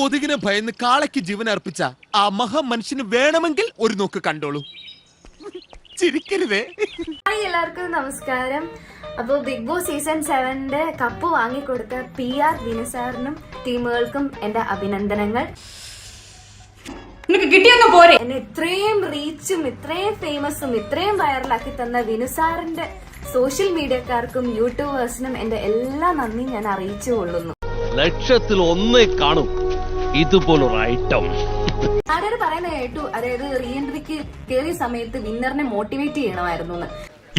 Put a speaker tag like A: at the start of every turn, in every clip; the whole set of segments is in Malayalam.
A: കൊതുകിനെ ഭയന്ന് കാളയ്ക്ക് ജീവൻ അർപ്പിച്ച ആ മഹാമനുഷ്യന് വേണമെങ്കിൽ ഒരു നോക്ക് കണ്ടോളൂ. ചിരിക്കരുതേ.
B: ഹായ്, എല്ലാവർക്കും നമസ്കാരം. അപ്പോൾ ബിഗ് ബോസ് സീസൺ 7 കപ്പ് വാങ്ങിക്കൊടുത്ത PR വിനുസാറിനും ടീമുകൾക്കും എന്റെ അഭിനന്ദനങ്ങൾ. എന്നെ ഇത്രയും റീച്ചും ഇത്രയും ഫേമസും ഇത്രയും വൈറലാക്കി തന്ന വിനുസാറിന്റെ സോഷ്യൽ മീഡിയക്കാർക്കും യൂട്യൂബേഴ്സിനും എന്റെ എല്ലാ നന്ദി ഞാൻ അറിയിച്ചു കൊള്ളുന്നു.
C: ലക്ഷത്തിൽ ഒന്നേ കാണും ഇതുപോലൊരു ഐറ്റം.
B: ആരോ പറയുന്ന കേട്ടു, അതായത് റീ എൻട്രിക്ക് കയറിയ സമയത്ത് വിന്നറിനെ മോട്ടിവേറ്റ് ചെയ്യണമായിരുന്നു എന്ന്.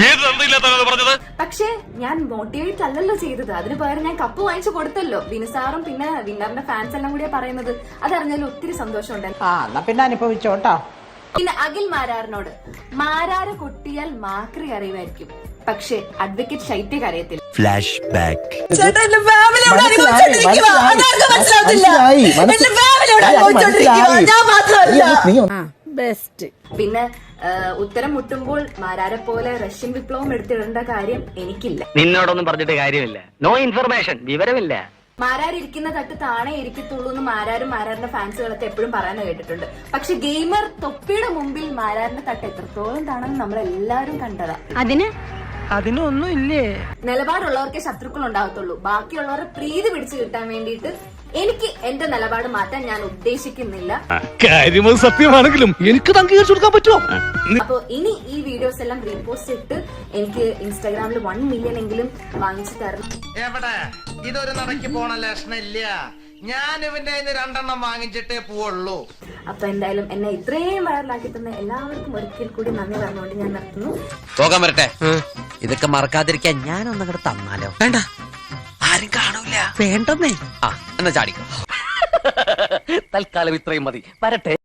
B: പക്ഷെ ഞാൻ മോട്ടിവേറ്റ് അല്ലല്ലോ ചെയ്തത്. അതിന് പകരം ഞാൻ കപ്പ് വാങ്ങിച്ചു കൊടുത്തല്ലോ. വിനുസാറും പിന്നെ വിന്നറിന്റെ ഫാൻസ് എല്ലാം കൂടിയാ പറയുന്നത്. അതറിഞ്ഞാലും ഒത്തിരി സന്തോഷം ഉണ്ടായിരുന്നു.
D: പിന്നെ അനുഭവിച്ചോട്ടോ.
B: പിന്നെ അഖിൽ മാരാറിനോട്, മാരാറ് കൊട്ടിയാൽ മാക്രി അറിയുമായിരിക്കും, പക്ഷെ അഡ്വക്കേറ്റ് ശൈത്യക്ക് അറിയത്തില്ല.
A: Flashback.
B: പിന്നെ ഉത്തരം മുട്ടുമ്പോൾ മാരാരെ പോലെ റഷ്യൻ വിപ്ലവം എടുത്തിടേണ്ട കാര്യം എനിക്കില്ല.
E: നിന്നോടൊന്നും പറഞ്ഞിട്ട് കാര്യമില്ല. നോ ഇൻഫർമേഷൻ, വിവരമില്ല.
B: മാരാരിരിക്കുന്ന തട്ട് താണേ ഇരിക്കത്തുള്ളൂ എന്ന് മാരാരും മാരാറിന്റെ ഫാൻസുകളൊക്കെ എപ്പോഴും പറയാൻ കേട്ടിട്ടുണ്ട്. പക്ഷെ ഗെയിമർ തൊപ്പിയുടെ മുമ്പിൽ മാരാറിന്റെ തട്ട് എത്രത്തോളം താണെന്ന് നമ്മളെല്ലാരും കണ്ടതാ.
D: അതിനൊന്നും ഇല്ലേ.
B: നിലപാടുള്ളവർക്കേ ശത്രുക്കൾ ഉണ്ടാകത്തുള്ളൂ. ബാക്കിയുള്ളവരെ പ്രീതി പിടിച്ചു കിട്ടാൻ വേണ്ടിയിട്ട് എനിക്ക് എന്റെ നിലപാട് മാറ്റാൻ ഞാൻ ഉദ്ദേശിക്കുന്നില്ല.
C: കാര്യം സത്യമാണെങ്കിലും എനിക്ക് അംഗീകരിച്ചു കൊടുക്കാൻ പറ്റുമോ?
B: അപ്പൊ ഇനി ഈ വീഡിയോസ് എല്ലാം റീപോസ്റ്റ് ഇട്ട് എനിക്ക് ഇൻസ്റ്റാഗ്രാമിൽ 1 മില്യൺ എങ്കിലും വാങ്ങിച്ചു തരണം.
F: എവിടെ ഇതൊരു നടക്ക് പോണ ലക്ഷണില്ല. ഞാൻ ഇവന്റെ 2 വാങ്ങിച്ചിട്ടേ പോവുള്ളൂ.
B: അപ്പൊ എന്തായാലും എന്നെ ഇത്രയും വൈറലാക്കി തന്ന എല്ലാവർക്കും ഒരിക്കൽ കൂടി നന്ദി പറഞ്ഞുകൊണ്ട് ഞാൻ നിർത്തുന്നു.
G: പോകാൻ വരട്ടെ. ഇതൊക്കെ മറക്കാതിരിക്കാൻ ഞാനൊന്നങ്ങോട്ട് തന്നാലോ? വേണ്ട, ആരും കാണൂല. വേണ്ടെന്നേ. എന്നാ ചാടിക്കോ.
E: തൽക്കാലം ഇത്രയും മതി. വരട്ടെ.